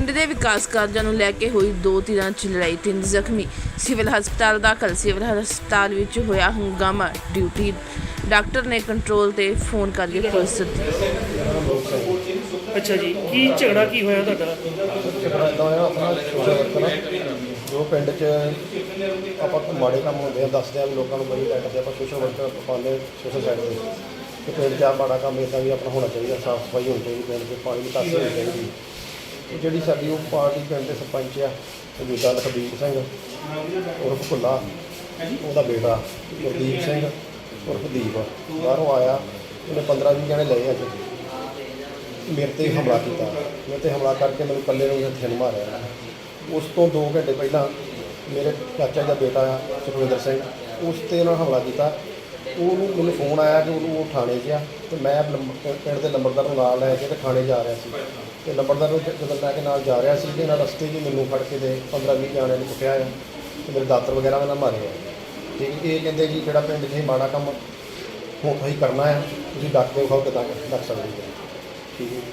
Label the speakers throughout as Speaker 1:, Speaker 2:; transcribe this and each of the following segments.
Speaker 1: ਪਿੰਡ ਦੇ ਵਿਕਾਸ ਕਾਰਜਾਂ ਨੂੰ ਲੈ ਕੇ ਹੋਈ ਦੋ ਧਿਰਾਂ 'ਚ ਲੜਾਈ, 3 ਜ਼ਖਮੀ, ਸਿਵਲ ਹਸਪਤਾਲ ਦਾਖਲ। ਸਿਵਲ ਹਸਪਤਾਲ ਵਿੱਚ ਹੋਇਆ ਹੰਗਾਮਾ, ਡਿਊਟੀ ਡਾਕਟਰ ਨੇ ਕੰਟਰੋਲ ਤੇ ਫੋਨ ਕਰਕੇ ਪੁਲਿਸ ਸੱਦੀ।
Speaker 2: ਅੱਛਾ ਜੀ, ਕੀ ਝਗੜਾ ਕੀ ਹੋਇਆ ਤੁਹਾਡਾ?
Speaker 3: ਝਗੜਾ ਇੱਦਾਂ ਹੋਇਆ, ਆਪਣਾ ਸੋਸ਼ਲ ਵਰਕਰ ਜੋ ਪਿੰਡ 'ਚ ਆਪਾਂ ਮਾੜੇ ਕੰਮ ਹੁੰਦੇ ਆ ਦੱਸਦੇ ਆ ਲੋਕਾਂ ਨੂੰ, ਬੜੀ ਕਰਦੇ ਆਪਾਂ ਸੋਸ਼ਲ ਵਰਕਰ ਪਾਉਂਦੇ ਸੋਸ਼ਲ ਸਾਈਡ 'ਤੇ ਕਿ ਪਿੰਡ 'ਚ ਆ ਮਾੜਾ ਕੰਮ ਇੱਦਾਂ ਵੀ ਆਪਣਾ ਹੋਣਾ ਚਾਹੀਦਾ, ਸਾਫ਼ ਸਫਾਈ ਹੋਣੀ ਚਾਹੀਦੀ, ਪਿੰਡ 'ਚ ਪਾਣੀ ਦੀ ਨਿਕਾਸੀ ਹੋਣੀ ਚਾਹੀਦੀ। ਤੇ ਜਿਹੜੀ ਸਾਡੀ ਉਹ ਪਾਰਟੀ ਪਿੰਡ ਦੇ ਸਰਪੰਚ ਆ ਮੌਜੂਦਾ ਲਖਬੀਰ ਸਿੰਘ ਉਰਫ ਭੁੱਲਾ, ਉਹਦਾ ਬੇਟਾ ਗੁਰਦੀਪ ਸਿੰਘ ਉਰਫ ਦੀਪ ਬਾਹਰੋਂ ਆਇਆ, ਉਹਨੇ 15-20 ਜਣੇ ਲਏ ਅੱਜ ਮੇਰੇ 'ਤੇ ਹਮਲਾ ਕੀਤਾ। ਮੇਰੇ 'ਤੇ ਹਮਲਾ ਕਰਕੇ ਮੈਨੂੰ ਇਕੱਲੇ ਨੂੰ ਹੱਥੀਂ ਮਾਰਿਆ। ਉਸ ਤੋਂ 2 ਘੰਟੇ ਪਹਿਲਾਂ ਮੇਰੇ ਚਾਚਾ ਦਾ ਬੇਟਾ ਆ ਸੁਖਵਿੰਦਰ ਸਿੰਘ, ਉਸ 'ਤੇ ਉਹਨਾਂ ਹਮਲਾ ਕੀਤਾ। ਉਹਨੂੰ ਮੈਨੂੰ ਫੋਨ ਆਇਆ ਕਿ ਉਹ ਥਾਣੇ 'ਚ ਆ, ਅਤੇ ਮੈਂ ਪਿੰਡ ਦੇ ਲੰਬੜਦਾਰ ਨੂੰ ਨਾਲ ਲੈ ਕੇ ਤੇ ਥਾਣੇ ਜਾ ਰਿਹਾ ਸੀ। ਅਤੇ ਲੰਬੜਦਾਰ ਨੂੰ ਜਦੋਂ ਲੈ ਕੇ ਨਾਲ ਜਾ ਰਿਹਾ ਸੀ, ਅਤੇ ਇਹਨਾਂ ਰਸਤੇ 'ਚ ਮੈਨੂੰ ਫੜ ਕੇ ਤੇ 15-20 ਜਣਿਆਂ ਨੂੰ ਕੁੱਟਿਆ ਆ ਅਤੇ ਮੇਰੇ ਦਾਤਰ ਵਗੈਰਾ ਵੀ ਨਾ ਮਾਰੇ ਆ। ਠੀਕ, ਇਹ ਕਹਿੰਦੇ ਜੀ ਜਿਹੜਾ ਪਿੰਡ 'ਚ ਮਾੜਾ ਕੰਮ ਹੁਣ ਤੁਸੀਂ ਕਰਨਾ ਹੈ, ਤੁਸੀਂ ਡੱਕ ਕੇ ਵਿਖਾਓ ਕਿੱਦਾਂ ਡੱਕ ਸਕਦੇ ਹੋ। ਠੀਕ ਹੈ।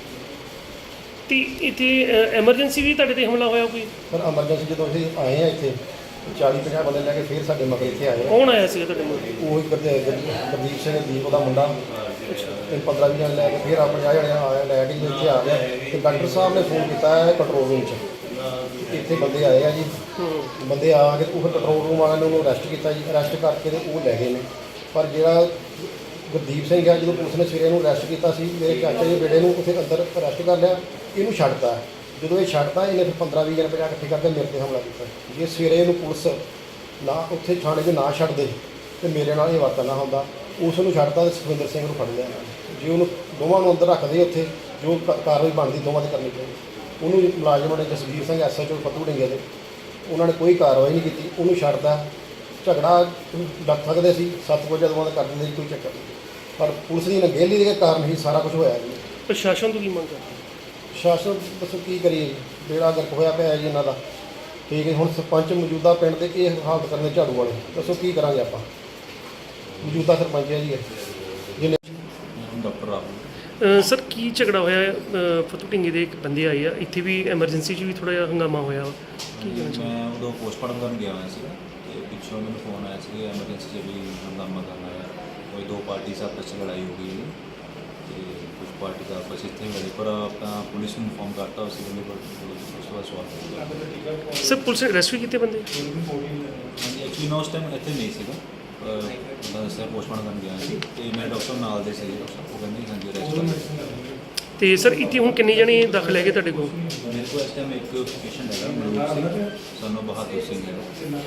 Speaker 2: ਤੇ ਇੱਥੇ ਐਮਰਜੈਂਸੀ ਵੀ ਤੁਹਾਡੇ 'ਤੇ ਹਮਲਾ ਹੋਇਆ ਕੋਈ?
Speaker 3: ਪਰ ਐਮਰਜੈਂਸੀ ਜਦੋਂ ਅਸੀਂ ਆਏ ਆ ਇੱਥੇ 40-50 ਬੰਦੇ ਲੈ ਕੇ ਫਿਰ ਸਾਡੇ ਮਗਰ ਇੱਥੇ ਆਏ।
Speaker 2: ਕੌਣ ਆਇਆ ਸੀਗਾ ਤੁਹਾਡੇ ਕੋਲ?
Speaker 3: ਉਹ ਗੁਰਦੀਪ ਸਿੰਘ ਦੀਪ ਉਹਦਾ ਮੁੰਡਾ, ਤੇ 15-20 ਜਣੇ ਲੈ ਕੇ ਫਿਰ ਆ 50 ਜਣੇ ਆਇਆ ਲੈ ਕੇ ਇੱਥੇ ਆ ਗਿਆ। ਤੇ ਡਾਕਟਰ ਸਾਹਿਬ ਨੇ ਫੋਨ ਕੀਤਾ ਹੈ ਕੰਟਰੋਲ ਰੂਮ 'ਚ, ਇੱਥੇ ਬੰਦੇ ਆਏ ਆ ਜੀ। ਬੰਦੇ ਆ ਕੇ ਉਹ ਕੰਟਰੋਲ ਰੂਮ ਵਾਲਿਆਂ ਨੇ ਉਹਨੂੰ ਅਰੈਸਟ ਕੀਤਾ ਜੀ। ਅਰੈਸਟ ਕਰਕੇ ਤੇ ਉਹ ਲੈ ਗਏ ਨੇ। ਪਰ ਜਿਹੜਾ ਗੁਰਦੀਪ ਸਿੰਘ ਆ, ਜਦੋਂ ਪੁਲਿਸ ਨੇ ਸਵੇਰੇ ਇਹਨੂੰ ਅਰੈਸਟ ਕੀਤਾ ਸੀ, ਮੇਰੇ ਚਾਚਾ ਦੇ ਬੇਟੇ ਨੂੰ ਉੱਥੇ ਅੰਦਰ ਅਰੈਸਟ ਕਰ ਲਿਆ, ਇਹਨੂੰ ਛੱਡਤਾ। ਜਦੋਂ ਇਹ ਛੱਡਤਾ, ਇਹਨੇ ਫਿਰ 15-20 ਜਣੇ 50 ਇਕੱਠੇ ਕਰਕੇ ਮੇਰੇ 'ਤੇ ਹਮਲਾ ਕੀਤਾ। ਜੇ ਸਵੇਰੇ ਇਹਨੂੰ ਪੁਲਿਸ ਨਾ ਉੱਥੇ ਥਾਣੇ 'ਚ ਨਾ ਛੱਡਦੇ ਤੇ ਮੇਰੇ ਨਾਲ ਇਹ ਵਾਰਤਾ ਨਾ ਹੁੰਦਾ। ਉਸ ਨੂੰ ਛੱਡਤਾ ਤੇ ਸੁਖਵਿੰਦਰ ਸਿੰਘ ਨੂੰ ਫੜ ਲਿਆ। ਜੇ ਉਹਨੂੰ ਦੋਵਾਂ ਨੂੰ ਅੰਦਰ ਰੱਖਦੇ, ਉੱਥੇ ਜੋ ਕਾਰਵਾਈ ਬਣਦੀ ਦੋਵਾਂ 'ਤੇ ਕਰਨੀ ਚਾਹੀਦੀ। ਉਹਨੂੰ ਮੁਲਾਜ਼ਮਾਂ ਨੇ ਜਸਵੀਰ ਸਿੰਘ SHO ਫੱਤੂ ਢਿੰਗੇ ਦੇ, ਉਹਨਾਂ ਨੇ ਕੋਈ ਕਾਰਵਾਈ ਨਹੀਂ ਕੀਤੀ, ਉਹਨੂੰ ਛੱਡਦਾ। ਝਗੜਾ ਡੱਕ ਸਕਦੇ ਸੀ, 7 ਵਜੇ ਦੋਵਾਂ ਦਾ ਕਰ ਦਿੰਦੇ ਸੀ, ਕੋਈ ਚੱਕਰ ਨਹੀਂ। ਪਰ ਪੁਲਿਸ ਦੀ ਨਗੇਲੀ ਦੇ ਕਾਰਨ ਹੀ ਸਾਰਾ ਕੁਝ ਹੋਇਆ ਜੀ।
Speaker 2: ਪ੍ਰਸ਼ਾਸਨ ਤੋਂ ਕੀ ਮੰਗ ਕਰਦੇ?
Speaker 3: ਸ਼ਾਸਨ ਦੱਸੋ ਕੀ ਕਰੀਏ ਜੀ, ਬੇੜਾ ਗਰਕ ਹੋਇਆ ਪਿਆ ਜੀ ਇਹਨਾਂ ਦਾ। ਠੀਕ ਹੈ, ਹੁਣ ਸਰਪੰਚ ਮੌਜੂਦਾ ਪਿੰਡ ਦੇ ਇਹ ਹਾਲਤ ਕਰਨੇ ਝਾੜੂ ਵਾਲੇ, ਦੱਸੋ ਕੀ ਕਰਾਂਗੇ ਆਪਾਂ? ਮੌਜੂਦਾ ਸਰਪੰਚ ਹੈ ਜੀ ਜਿਹਨੇ
Speaker 4: ਡਾਕਟਰ ਰਾਹੁਲ।
Speaker 2: ਸਰ, ਕੀ ਝਗੜਾ ਹੋਇਆ? ਫਤੂ ਢਿੰਗੇ ਦੇ ਇੱਕ ਬੰਦੇ ਆਏ ਆ, ਇੱਥੇ ਵੀ ਐਮਰਜੈਂਸੀ 'ਚ ਵੀ ਥੋੜ੍ਹਾ ਜਿਹਾ ਹੰਗਾਮਾ ਹੋਇਆ। ਕੀ ਕਹਿਣਾ ਚਾਹੁੰਦੇ?
Speaker 4: ਮੈਂ ਉਦੋਂ ਪੋਸਟਮਾਰਟਮ ਕਰਨ ਗਿਆ ਹੋਇਆ ਸੀ, ਅਤੇ ਪਿੱਛੋਂ ਮੈਨੂੰ ਫੋਨ ਆਇਆ ਸੀ ਐਮਰਜੈਂਸੀ 'ਚ ਵੀ ਹੰਗਾਮਾ ਕਰਨਾ ਹੈ। ਕੋਈ 2 ਪਾਰਟੀਆਂ ਆਪਸ 'ਚ ਲੜਾਈ ਹੋ ਗਈ ਹੈ ਅਤੇ ਕੁਝ ਪਾਰਟੀ ਆਪਸ ਇੱਥੇ ਮਿਲੇ, ਪਰ ਆਪਣਾ ਪੁਲਿਸ ਨੂੰ ਇਨਫੋਰਮ ਕਰਤਾ ਉਸ ਵੇਲੇ, ਪਰ ਉਸ ਤੋਂ ਬਾਅਦ ਸਵਾਲ
Speaker 2: ਸਰ, ਪੁਲਿਸ ਨੇ ਅਰੈਸਟ ਵੀ ਕੀਤੇ ਬੰਦੇ?
Speaker 4: ਹਾਂਜੀ, ਐਕਚੁਅਲੀ ਮੈਂ ਉਸ ਟਾਈਮ ਇੱਥੇ ਨਹੀਂ ਸੀਗਾ, ਮੈਂ ਦੱਸਿਆ ਪੋਸਟਮਾਰਟਮ ਕਰਨ ਗਿਆ ਸੀ, ਅਤੇ ਮੇਰੇ ਡਾਕਟਰ ਨਾਲ ਦੇ ਸੀਗੇ, ਉਹ ਕਹਿੰਦੇ ਹਾਂਜੀ ਅਰੈਸਟ।
Speaker 2: ਤੇ ਸਰ, ਇੱਥੇ ਹੁਣ ਕਿੰਨੇ ਜਣੇ ਦਾਖਲ ਹੈਗੇ ਤੁਹਾਡੇ ਕੋਲ?
Speaker 4: ਮੇਰੇ ਕੋਲ ਇਸ ਟਾਈਮ ਇੱਕ ਪੇਸ਼ੈਂਟ ਹੈਗਾ ਮਨੋਜ ਸਿੰਘ, ਸਾਨੂੰ ਬਹਾਦਰ ਸਿੰਘ ਹੈ,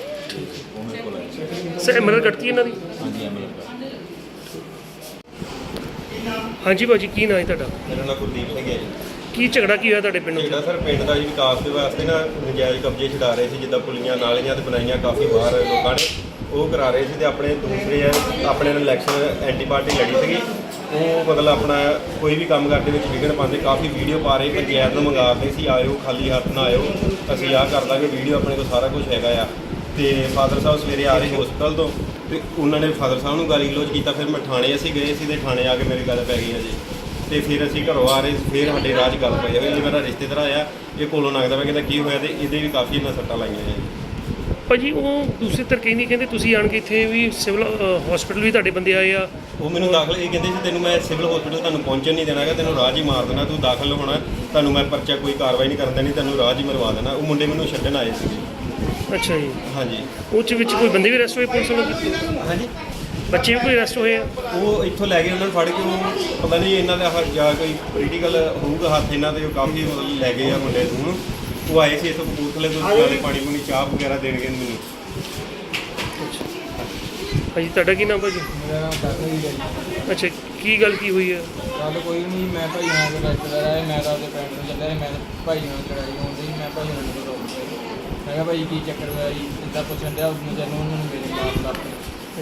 Speaker 4: ਉਹ ਮੇਰੇ ਕੋਲ ਆਇਆ ਸੀ।
Speaker 2: ਸਰ, ਐਮਐਲਆਰ ਕੱਟਤੀ ਇਹਨਾਂ ਦੀ?
Speaker 4: ਹਾਂਜੀ, ਐਮਐਲਆਰ।
Speaker 2: ਹਾਂਜੀ ਭਾਜੀ, ਕੀ ਨਾਂ ਹੈ ਤੁਹਾਡਾ?
Speaker 5: ਮੇਰਾ ਨਾਮ ਗੁਰਦੀਪ ਸਿੰਘ ਹੈ ਜੀ।
Speaker 2: ਕੀ ਝਗੜਾ ਕੀ ਹੋਇਆ ਤੁਹਾਡੇ ਪਿੰਡ
Speaker 5: ਜਿਹੜਾ ਸਰ ਪਿੰਡ ਦਾ ਜੀ ਵਿਕਾਸ ਦੇ ਵਾਸਤੇ ਨਾ ਨਜਾਇਜ਼ ਕਬਜ਼ੇ ਛਡਾ ਰਹੇ ਸੀ, ਜਿੱਦਾਂ ਪੁਲੀਆਂ ਨਾਲੀਆਂ ਤੇ ਬਣਾਈਆਂ ਕਾਫੀ ਬਾਹਰ ਲੋਕਾਂ ਨੇ, ਉਹ ਕਰਾ ਰਹੇ ਸੀ। ਤੇ ਆਪਣੇ ਦੂਸਰੇ ਆਪਣੇ ਨਾਲ ਇਲੈਕਸ਼ਨ ਐਂਟੀ ਪਾਰਟੀ ਲੜੀ ਸੀਗੀ, ਉਹ ਮਤਲਬ ਆਪਣਾ ਕੋਈ ਵੀ ਕੰਮ ਕਰਦੇ ਵਿੱਚ ਵਿਘਨ ਪਾਉਂਦੇ, ਕਾਫੀ ਵੀਡੀਓ ਪਾ ਰਹੇ, ਪੰਚਾਇਤ ਨੂੰ ਮੰਗਾਉਂਦੇ ਸੀ ਆਇਓ ਖਾਲੀ ਹੱਥ ਨਾ ਆਇਓ, ਅਸੀਂ ਆਹ ਕਰ ਦਾਂਗੇ, ਵੀਡੀਓ ਆਪਣੇ ਕੋਲ ਸਾਰਾ ਕੁਝ ਹੈਗਾ ਆ। ਤੇ ਫਾਦਰ ਸਾਹਿਬ ਸਵੇਰੇ ਆ ਰਹੇ ਹਸਪਤਾਲ ਤੋਂ, ਤੇ ਉਹਨਾਂ ਨੇ ਫਾਦਰ ਸਾਹਿਬ ਨੂੰ ਗਾਲੀ ਗਲੋਚ ਕੀਤਾ। ਫਿਰ ਮੈਂ ਥਾਣੇ ਅਸੀਂ ਗਏ ਸੀ, ਤੇ ਥਾਣੇ ਆ ਕੇ ਮੇਰੀ ਗੱਲ ਪੈ ਗਈ ਹੈ ਜੀ। ਤੇ ਫਿਰ ਅਸੀਂ ਘਰੋਂ ਆ ਰਹੇ, ਫਿਰ ਸਾਡੇ ਰਾਹ 'ਚ ਗੱਲ ਪਈ ਹੋਈ। ਮੇਰਾ ਰਿਸ਼ਤੇਦਾਰ ਆਇਆ, ਇਹ ਕੋਲੋਂ ਲੱਗਦਾ ਪਿਆ, ਕਹਿੰਦਾ ਕੀ ਹੋਇਆ, ਤੇ ਇਹਦੇ ਵੀ ਕਾਫੀ ਇਹਨਾਂ ਸੱਟਾਂ ਲਾਈਆਂ ਹੈ।
Speaker 2: ਭਾਜੀ, ਉਹ ਦੂਸਰੇ ਧਿਰ ਕਹਿੰਦੇ ਤੁਸੀਂ ਆਣ ਕੇ ਇੱਥੇ ਵੀ ਸਿਵਲ ਹਸਪੀਟਲ ਵੀ ਤੁਹਾਡੇ ਬੰਦੇ ਆਏ ਆ।
Speaker 5: ਉਹ ਮੈਨੂੰ ਦਾਖਲ ਇਹ ਕਹਿੰਦੇ ਸੀ ਤੈਨੂੰ ਮੈਂ ਸਿਵਲ ਹਸਪੀਟਲ ਤੁਹਾਨੂੰ ਪਹੁੰਚਣ ਨਹੀਂ ਦੇਣਾ ਹੈਗਾ, ਤੈਨੂੰ ਰਾਹ 'ਚ ਹੀ ਮਾਰ ਦੇਣਾ, ਤੂੰ ਦਾਖਲ ਹੋਣਾ, ਤੁਹਾਨੂੰ ਮੈਂ ਪਰਚਾ ਕੋਈ ਕਾਰਵਾਈ ਨਹੀਂ ਕਰਨ ਦੇਣੀ, ਤੈਨੂੰ ਰਾਹ 'ਚ ਹੀ ਮਰਵਾ ਦੇਣਾ। ਉਹ ਮੁੰਡੇ ਮੈਨੂੰ ਛੱਡਣ ਆਏ ਸੀਗੇ।
Speaker 2: ਅੱਛਾ ਜੀ।
Speaker 5: ਹਾਂਜੀ।
Speaker 2: ਉਹ 'ਚ ਵਿੱਚ ਕੋਈ ਬੰਦੇ ਵੀ ਅਰੈਸਟ ਹੋਏ ਪੁਲਿਸ ਵੱਲੋਂ?
Speaker 5: ਹਾਂਜੀ,
Speaker 2: ਬੱਚੇ ਵੀ ਕੋਈ ਅਰੈਸਟ ਹੋਏ ਆ?
Speaker 5: ਉਹ ਇੱਥੋਂ ਲੈ ਗਏ, ਉਹਨਾਂ ਨੂੰ ਫੜ ਕੇ ਉਹ ਪਤਾ ਨਹੀਂ ਇਹਨਾਂ ਦਾ ਜਾਂ ਕੋਈ ਪੋਲੀਟੀਕਲ ਹੋਊਗਾ ਹੱਥ ਇਹਨਾਂ ਦੇ, ਉਹ ਕਾਫੀ ਮਤਲਬ ਲੈ ਗਏ ਆ ਮੁੰਡੇ ਨੂੰ। ਉਹ ਆਏ ਸੀ ਇੱਥੋਂ ਕਪੂਰਥਲੇ ਤੋਂ, ਨਾਲੇ ਪਾਣੀ ਪੂਣੀ ਚਾਹ ਵਗੈਰਾ ਦੇਣਗੇ ਮੈਨੂੰ।
Speaker 2: ਭਾਜੀ, ਤੁਹਾਡਾ ਕੀ ਨਾਮ ਭਾਜੀ?
Speaker 6: ਮੇਰਾ ਨਾਮ ਕਾਕਾ ਜੀ ਹੈ ਜੀ।
Speaker 2: ਅੱਛਾ, ਕੀ ਗੱਲ ਕੀ ਹੋਈ ਹੈ?
Speaker 6: ਗੱਲ ਕੋਈ ਨਹੀਂ, ਮੈਂ ਭਾਈ ਨਾਲ ਦੇ ਰਿਸ਼ਤੇਦਾਰ ਆਏ, ਮੈਂ ਤਾਂ ਆਪਣੇ ਪਿੰਡ ਨੂੰ ਚੱਲਿਆ ਸੀ, ਮੈਂ ਭਾਈ ਨਾਲ ਲੜਾਈ ਹੁੰਦੀ, ਮੈਂ ਭਾਈ ਨਾਲ ਨੂੰ ਰੋਕ ਲਿਆ। ਮੈਂ ਕਿਹਾ ਭਾਈ ਕੀ ਚੱਕਰ ਹੋਇਆ ਜੀ, ਇੱਦਾਂ ਪੁੱਛਣ ਡਿਆ, ਉਹਨੂੰ ਜਦੋਂ ਉਹਨਾਂ ਨੂੰ ਮੇਰੇ ਮਾਰ ਲੱਗ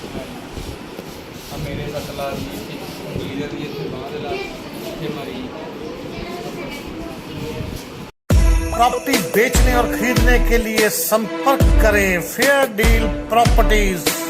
Speaker 6: ਆ ਮੇਰੇ ਸੱਟ ਲਾ ਦੀ ਉਂਗਲੀ ਦੀ, ਇੱਥੇ ਬਾਂਹ ਦੇ ਲਾ, ਇੱਥੇ ਮਾਰੀ।
Speaker 7: प्रॉपर्टी बेचने और खरीदने के लिए संपर्क करें फेयर डील प्रॉपर्टीज।